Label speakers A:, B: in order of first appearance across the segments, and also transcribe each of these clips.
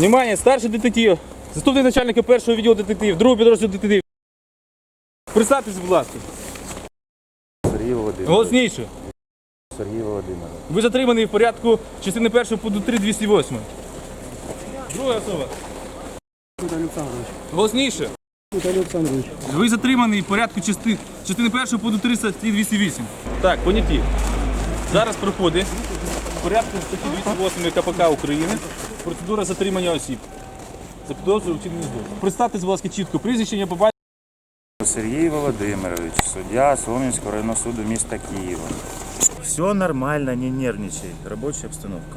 A: Внимание, старший детектив, заступник начальника першого відділу детектив, другого підрозділу детектив. Представтесь, будь ласка.
B: Сергій Володимирович.
A: Голосніше.
B: Сергій Володимирович.
A: Ви затриманий в порядку частини 1 пункту 3 208. Друга особа.
C: Віталій Олександрович.
A: Голосніше.
C: Віталій Олександрович.
A: Ви затриманий в порядку частини 1 пункту 3 статті 208. Так, поняті. Зараз проходить в порядку статті 208 КПК України процедура затримання осіб. За підозрою вчинення злочину. Представте, будь ласка, чітко прізвище, ім'я, по батькові.
B: Сергій Володимирович, суддя Солом'янського районного суду міста Києва. Все нормально, не нервничай. Робоча обстановка.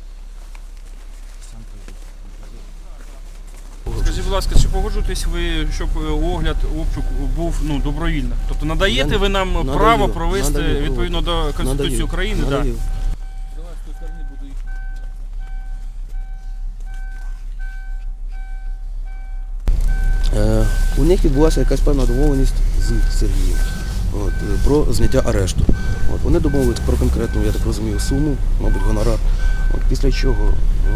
D: Скажіть, будь ласка, чи погоджуєтесь ви, щоб огляд, обшук був добровільно? Тобто надаєте ви нам право провести відповідно до Конституції України? Да.
C: У них відбулася якась певна домовленість з Сергієм про зняття арешту. Вони домовились про конкретну, я так розумію, суму, мабуть, гонорар. Після чого,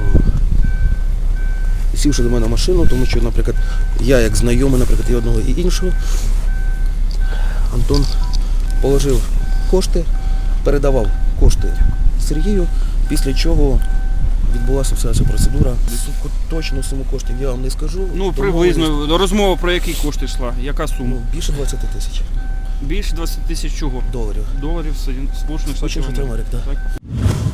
C: сівши до мене в машину, тому що, наприклад, я як знайомий, наприклад, і одного, і іншого, Антон положив кошти, передавав кошти Сергію, після чого відбулася вся ця процедура. Точну суму коштів я вам не скажу.
D: Ну, приблизно. Розмова про які кошти йшла? Яка сума?
C: Більше 20 тисяч.
D: Більше 20 тисяч чого?
C: Доларів.
D: Доларів Сполучених Штатів
C: Америки, так.